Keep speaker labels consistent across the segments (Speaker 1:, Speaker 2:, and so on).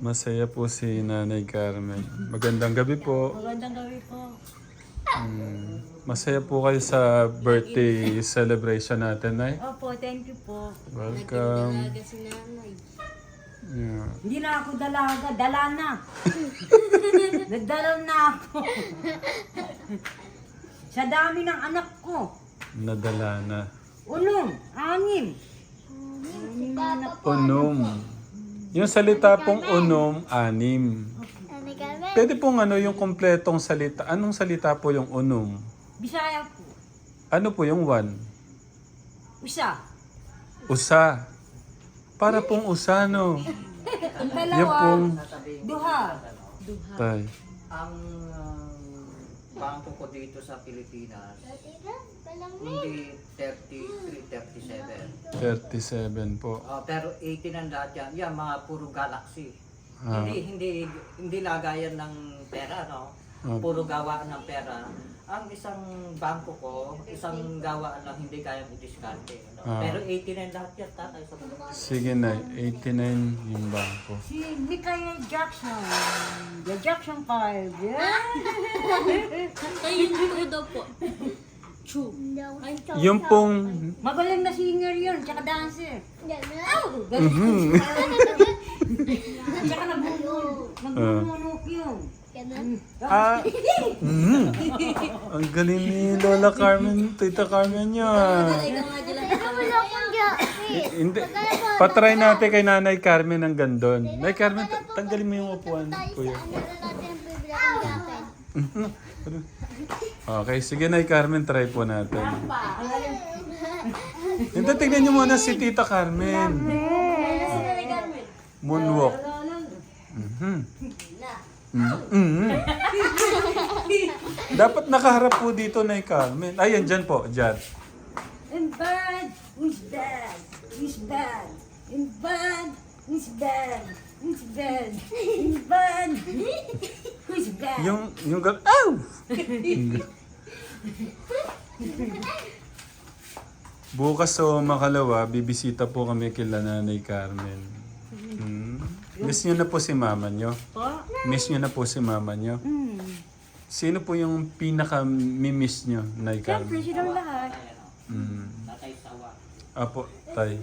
Speaker 1: Masaya po si Nanay Carmen. Magandang gabi po.
Speaker 2: Magandang gabi po.
Speaker 1: Masaya po kayo sa birthday celebration natin, Nay.
Speaker 2: Opo, thank you po.
Speaker 1: Welcome.
Speaker 3: Dalaga si nanay.
Speaker 1: Yeah.
Speaker 2: Hindi na ako dalaga, dala na. Nagdala na ako. Sa dami ng anak ko.
Speaker 1: Nadala na.
Speaker 2: Unong, anim.
Speaker 1: Unom. Yung salita pong unom, anim.
Speaker 3: Nanay Carmen.
Speaker 1: Pwede pong yung kompletong salita. Anong salita po yung unom?
Speaker 2: Bisaya po.
Speaker 1: Ano po yung one?
Speaker 2: Isa.
Speaker 1: Usa. Para pong usa, no?
Speaker 2: Ang
Speaker 1: Yung
Speaker 2: dalawa,
Speaker 1: pong...
Speaker 2: duha.
Speaker 1: Tay.
Speaker 4: Ang bangko ko dito sa Pilipinas, hindi 33, 37.
Speaker 1: 37 po.
Speaker 4: Pero 18 ang lahat yan. Yan, mga puro galaxy.
Speaker 1: Ah.
Speaker 4: Hindi lagayan ng pera, no?
Speaker 1: Ah.
Speaker 4: Puro gawaan ng pera. Ang isang bangko ko, isang gawaan lang hindi kayang i-discarte. No?
Speaker 1: Ah.
Speaker 4: Pero 18 ang lahat yan, tatay sa mundo.
Speaker 1: Sige na, 89 yung bangko.
Speaker 2: Si Mikaya Jackson. The Jackson 5. Yeah.
Speaker 3: Tayo yung daw po. Chu. Ay,
Speaker 1: Yung pong...
Speaker 2: Magaling na singer yun, tsaka dancer.
Speaker 1: Mhm.
Speaker 2: Tsaka nagmumulok yun.
Speaker 1: Ah, ang galing ni Lola Carmen, Tita Carmen yan. Hindi. Patry natin kay Nanay Carmen ang gandon. Nanay Carmen, tanggalin mo yung upuan, kuya. Okay, sige Nay Carmen, try po natin. Hindi, tignan niyo muna si Tita Carmen. Moonwalk. Mhm. Mhm. Dapat nakaharap po dito, Nay Carmen. Ayan, dyan po, dyan.
Speaker 2: In bad, who's bad? Who's bad? In bad, who's bad? Who's bad? In bad, who's bad?
Speaker 1: Yung Ow! Bukas o makalawa, bibisita po kami kila Nanay Carmen. Miss nyo na po si mama nyo.
Speaker 2: Po?
Speaker 1: Miss nyo na po si mama nyo. Sino po yung pinaka-miss nyo, Nay
Speaker 2: Siyempre,
Speaker 1: Carmen?
Speaker 2: silang lahat.
Speaker 4: Tatay sawa.
Speaker 1: Apo, tay.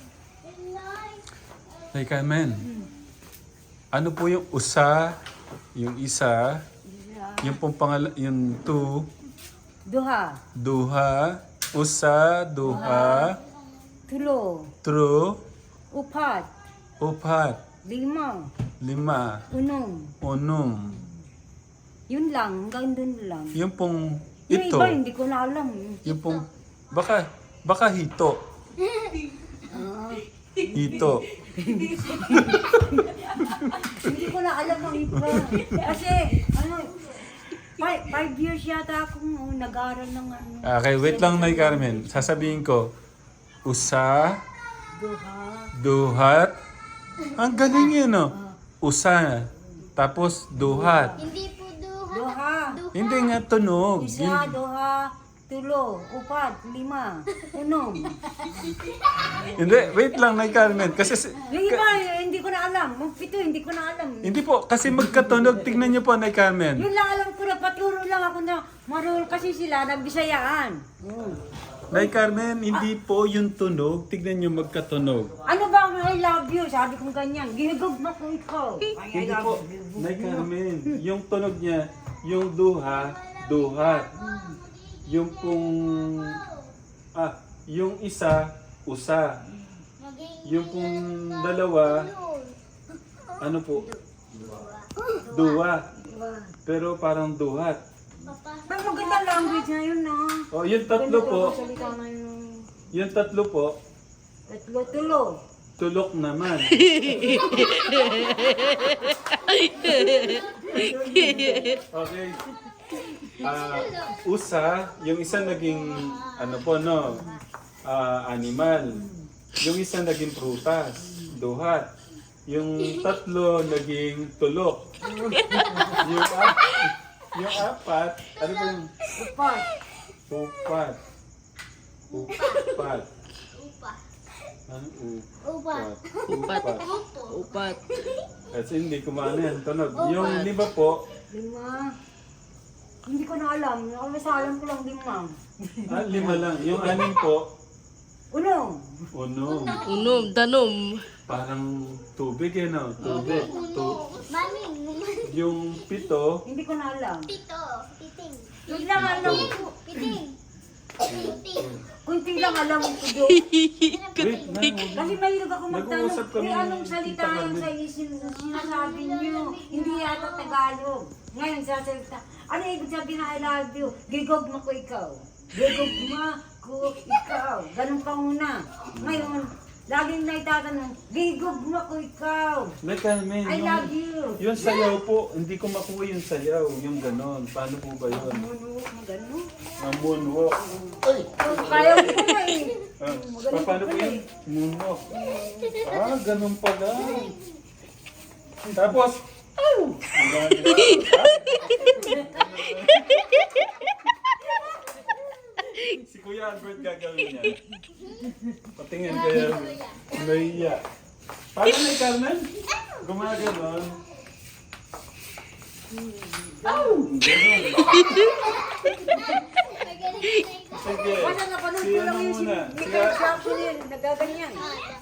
Speaker 1: Nay Carmen, ano po yung usa, yung isa, yung pong yung two,
Speaker 2: Duha,
Speaker 1: duha, usa, duha,
Speaker 2: tulo,
Speaker 1: true,
Speaker 2: upat,
Speaker 1: upat,
Speaker 2: lima,
Speaker 1: lima,
Speaker 2: unong.
Speaker 1: unong.
Speaker 2: Yun lang, hanggang dun lang.
Speaker 1: Yung pong
Speaker 2: Yung
Speaker 1: ito,
Speaker 2: iba, hindi ko na alam.
Speaker 1: yung pong, baka hito. Hito.
Speaker 2: Hindi ko na alam ang iba. Kasi, 5 years yata akong nag-aaral ng ano.
Speaker 1: Okay, wait lang, Nay Carmen. Sasabihin ko, usa,
Speaker 2: Duha,
Speaker 1: duhat. Ang galing yun, no? Usa. Tapos, duhat.
Speaker 3: Hindi po duha.
Speaker 2: duha,
Speaker 1: Hindi nga tunog.
Speaker 2: isa, duha, tulo, upat, lima, unong.
Speaker 1: Hindi, wait lang, Nay Carmen. Kasi,
Speaker 2: Yung iba, hindi ko na alam. Yung pito, hindi ko na alam.
Speaker 1: hindi po, kasi magkatunog. Tingnan niyo po, Nay Carmen.
Speaker 2: Yun lang alam ko, nagpaturo lang ako na marunong kasi sila, nagbisayaan.
Speaker 1: Nay Carmen, hindi po yung tunog. Tignan niyo magkatunog.
Speaker 2: Ano ba ang I love you? Sabi kong ganyan. Ginagugma ko ikaw. Ay, I
Speaker 1: Hindi
Speaker 2: love
Speaker 1: po,
Speaker 2: you.
Speaker 1: Nay Carmen, yung tunog niya, yung duha, duhat. Yung pong, yung isa, usa. Yung pong dalawa, ano po? Duwa. Pero parang duhat.
Speaker 2: Pero maganda language na yun, no?
Speaker 1: O, yung tatlo po,
Speaker 2: Salita na yun.
Speaker 1: yung tatlo po,
Speaker 2: Tatlo, tulo.
Speaker 1: tulok naman. Okay. Usa, yung isa naging, ano po, no? Animal. Yung isa naging prutas, duhat. Yung tatlo naging tulok. Yung apat, ano ba yung
Speaker 2: Upat.
Speaker 1: upat? Upat. Ano?
Speaker 3: Upat.
Speaker 1: Upat.
Speaker 5: Upat.
Speaker 1: Kasi hindi kumano yan. Tunog. Yung 5 po.
Speaker 2: 5. Hindi ko na alam. Alam ko lang 5.
Speaker 1: 5 lang. Yung 6 po.
Speaker 2: Uno.
Speaker 1: Unom.
Speaker 5: Unom, danom.
Speaker 1: Parang tubig eh, no? Tubig.
Speaker 3: Mami.
Speaker 1: Yung 7.
Speaker 2: Hindi ko na alam.
Speaker 3: Pito. Piting.
Speaker 2: Yun lang alam ko.
Speaker 3: Piting. Piting.
Speaker 2: Kunti lang alam ko doon.
Speaker 1: Wait, na.
Speaker 2: Kasi mahilig ako
Speaker 1: Nag-uusap
Speaker 2: magtanong.
Speaker 1: kami
Speaker 2: May anong
Speaker 1: ni
Speaker 2: salita
Speaker 1: Tita
Speaker 2: yung
Speaker 1: Carmen.
Speaker 2: sa sinasabi niyo? Hindi yata Tagalog. Ngayon sasalita. Ano ibig sabihin na I love you? Gigog mo ko ikaw. Gigog mo ko ikaw. Ganun ka muna. Ngayon, laging naitatanong, gigog mo ko ikaw.
Speaker 1: Nay Carmen,
Speaker 2: I love you.
Speaker 1: yung sayaw po, hindi ko makuha yung sayaw. Yung ganon. Paano po ba yun?
Speaker 2: Moonwalk mo ganun.
Speaker 1: Ang moonwalk.
Speaker 2: Kaya ko na eh.
Speaker 1: Paano po yun? Moonwalk. Ganon pala. Tapos, si Kuya Albert gagawin niya. Patingin kaya naiya. Paano na Carmen? Gumaganon. Ganon. Sige.
Speaker 2: Basta napanood
Speaker 1: Si
Speaker 2: ko
Speaker 1: ano
Speaker 2: lang yung
Speaker 1: muna?
Speaker 2: Michael Jackson yun. Nagaganyan.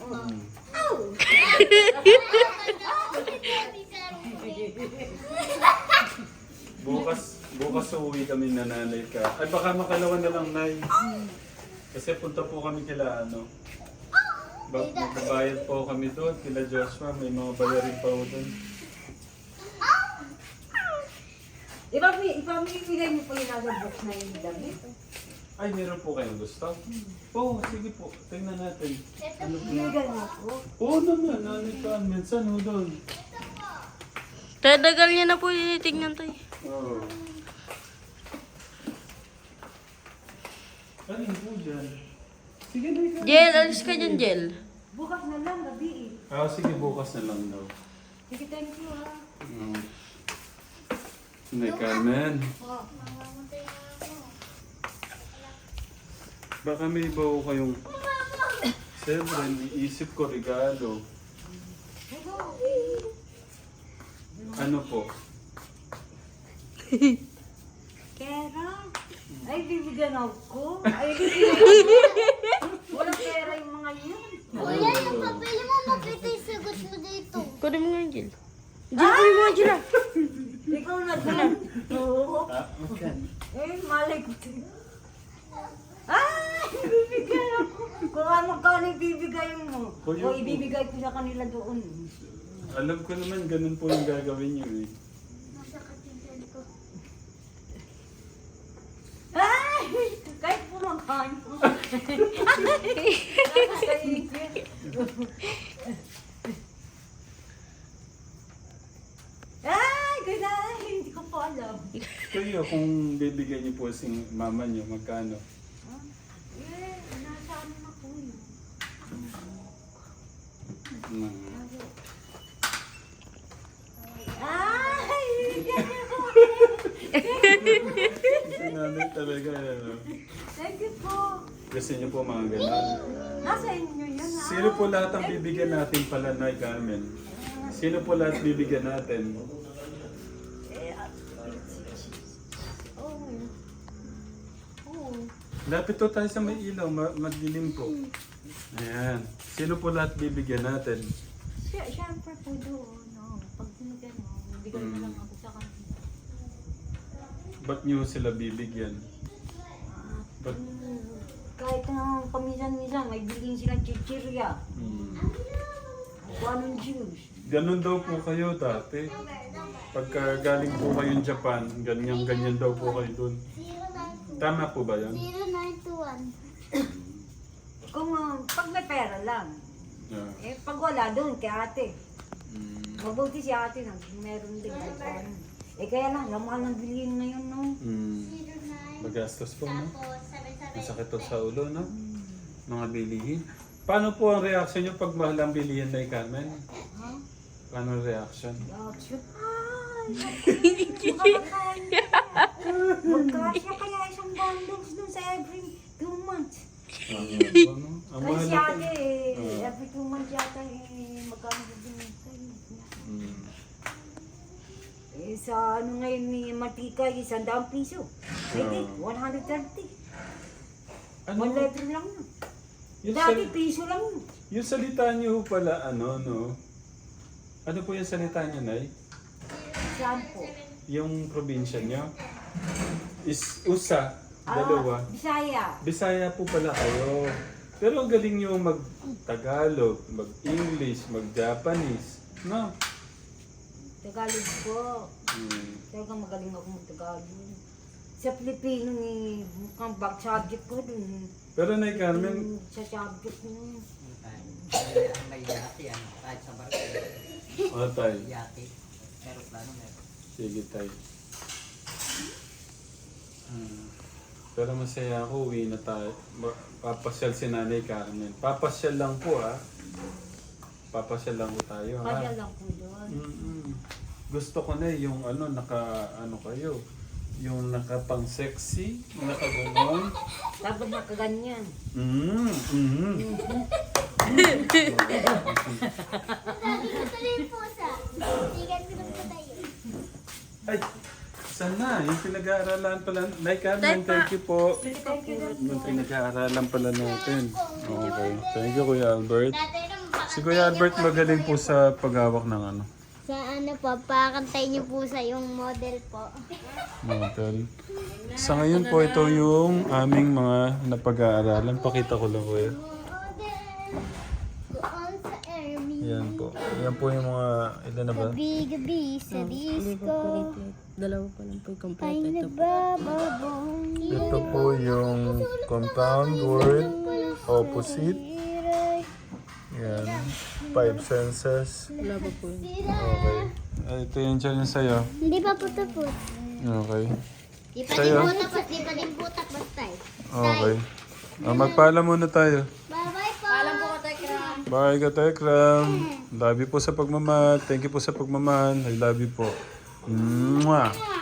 Speaker 1: Bukas uuwi kami na nanay ka. Ay baka makalawan na lang, Nay. Kasi punta po kami kila ano. Magbabayad po kami doon kila Joshua. May mga bayarin pa po doon.
Speaker 2: Ipamimigay mo po yung nagabok na yung damit.
Speaker 1: Ay, meron po kayong gusto? Oo, sige po. Tingnan natin. Ano po na?
Speaker 2: Pinagay mo po.
Speaker 1: Oo naman, nanay ka. Minsan ho doon.
Speaker 5: Tadagal niya na po tingnan tayo.
Speaker 1: Oo. Alin po dyan? Sige na ikaw.
Speaker 5: Jel, alis ka dyan, Jel.
Speaker 2: Bukas na lang, gabi eh.
Speaker 1: Sige, bukas na lang daw.
Speaker 2: Sige, thank you ha.
Speaker 1: Nay Carmen. Baka may iba ko kayong... Siyempre, iisip ko regalo. Ano po?
Speaker 2: Pera? Ay, bibigyan ako. Ay, bibigyan ako. Walang pera yung mga yun.
Speaker 3: Kuya, yung papel mo, makita yung sagot mo dito.
Speaker 5: Kunin mo nga yung Jel. Jel, kunin mo nga Jel ah.
Speaker 2: Ikaw na dyan. Oo.
Speaker 1: Okay.
Speaker 2: Malay ko. Ay, bibigyan ako. Kung ano ka ibibigay mo.
Speaker 1: Kuya
Speaker 2: O
Speaker 1: po.
Speaker 2: ibibigay ko sa kanila doon.
Speaker 1: Alam ko naman, ganun po yung gagawin niyo eh.
Speaker 3: Masakit yung tiyan ko.
Speaker 2: Ay! Kahit pumakain mo. Ay! Ganda! Hindi ko pa alam.
Speaker 1: Kayo, kung bibigyan niyo po si mama niyo, magkano?
Speaker 2: Nasa ano na po yun. Ay! Bibigyan niyo ako.
Speaker 1: Si nanay talaga, ano.
Speaker 2: Thank you po.
Speaker 1: Gusto niyo po mga ganun.
Speaker 2: Nasa inyo yan ha.
Speaker 1: Sino po lahat ang bibigyan natin pala, Nay Carmen? Sino po lahat bibigyan natin?
Speaker 2: Oo.
Speaker 1: Lapit to tayo sa may ilaw, magdilim po. Ayan. Sino po lahat bibigyan natin?
Speaker 2: Siyempre po doon. No? Pag sinigyan mo, bigay na lang ako sa kanila.
Speaker 1: Ba't niyo sila bibigyan? Ba't?
Speaker 2: Kahit na paminsan-minsan, may bilhin silang chichirya. Kung anong juice.
Speaker 1: Ganun daw po kayo dati. Pagka galing po kayong Japan, ganyan-ganyan daw po kayo dun.
Speaker 3: 0921.
Speaker 1: Tama po ba yan?
Speaker 3: 0921.
Speaker 2: Kung pag may pera lang.
Speaker 1: Yeah.
Speaker 2: Pag wala doon, kay ate.
Speaker 1: Mm.
Speaker 2: Mabuti si ate na meron din. Kaya lang, lamang ng bilhin ngayon, no?
Speaker 1: Mm.
Speaker 3: 09.
Speaker 1: Magastos po, no?
Speaker 3: Tapos, 77.
Speaker 1: Masakit to sa ulo, no? Mga bilihin. Paano po ang reaction niyo pag mahal ang bilihin, Nay Carmen?
Speaker 2: Ha?
Speaker 1: Paano ang reaction?
Speaker 2: Reaction? Ay! Makakakaya. Magkasya kaya isang bundles dun sa every 2 months.
Speaker 1: Ano? Ang
Speaker 2: Kasi
Speaker 1: mahal
Speaker 2: si
Speaker 1: na
Speaker 2: ate every 2 months yata magkano din tayo. Sa ano ngayon ni Matika, 100 piso. Pwede, 130.
Speaker 1: Ano?
Speaker 2: 1 letter lang yun.
Speaker 1: Yung,
Speaker 2: Dati piso lang yun.
Speaker 1: yung salita niyo pala, ano, no? Ano po yung salita niyo, Nay?
Speaker 2: Saan po?
Speaker 1: Yung probinsya niyo? Is USA, dalawa.
Speaker 2: Bisaya.
Speaker 1: Bisaya po pala kayo. Pero ang galing niyo mag-Tagalog, mag-English, mag-Japanese. No?
Speaker 2: Tagalog po. Talagang magaling ako mag-Tagalog. Sa Pilipino ni mukhang back subject ko dun.
Speaker 1: Pero Nay Carmen,
Speaker 2: Sa subject mo.
Speaker 4: May yate, kahit sa barko.
Speaker 1: tay.
Speaker 4: Yate. Aeroplano meron.
Speaker 1: Sige, tay. Pero masaya ako, uwi na tayo. Papasyal si Nanay Carmen. Papasyal lang po, ha? Papasyal lang po tayo, ha?
Speaker 2: Kaya lang po doon.
Speaker 1: Gusto ko na yung kayo. Yung nakapang sexy, nakaganon.
Speaker 2: Dapat nakaganyan.
Speaker 3: Lagi ko tuloy yung pusa. Sigat ko ng tayo.
Speaker 1: Ay, saan na? Yung pinag-aaralan pala. Nay Carmen, thank you po. Yung pinag-aaralan pala natin. Okay. Thank you, Kuya Albert.
Speaker 3: Tatay naman,
Speaker 1: Si Kuya Albert magaling po sa paghawak ng ano,
Speaker 3: sa ano po, pakantay niyo po sa yung model po.
Speaker 1: model. Sa ngayon po, ito yung aming mga napag-aaralan. Pakita ko lang, Kuya.
Speaker 3: Model, doon sa Ermi.
Speaker 1: Yan po. Yan po yung mga, ilan na ba?
Speaker 3: Gabi-gabi sa disco.
Speaker 5: Dalawa pa lang po yung
Speaker 3: Ay
Speaker 5: kompleto. Ito po.
Speaker 3: nagbababong.
Speaker 1: Ito po yung compound word, opposite. Yan. 5 senses.
Speaker 5: Wala pa po yun.
Speaker 1: Okay. Ito yung dyan yung sa'yo.
Speaker 3: Hindi pa po tapos.
Speaker 1: Okay.
Speaker 3: Di pa
Speaker 1: Sa'yo?
Speaker 3: din po tapos, di pa din po tapos tayo.
Speaker 1: Okay. Magpaalam muna tayo.
Speaker 3: Bye-bye po. Alam po ka tayo.
Speaker 1: Bye, Katekram. Love you po sa pagmamahal. Thank you po sa pagmamahal. I love you po. Mwah!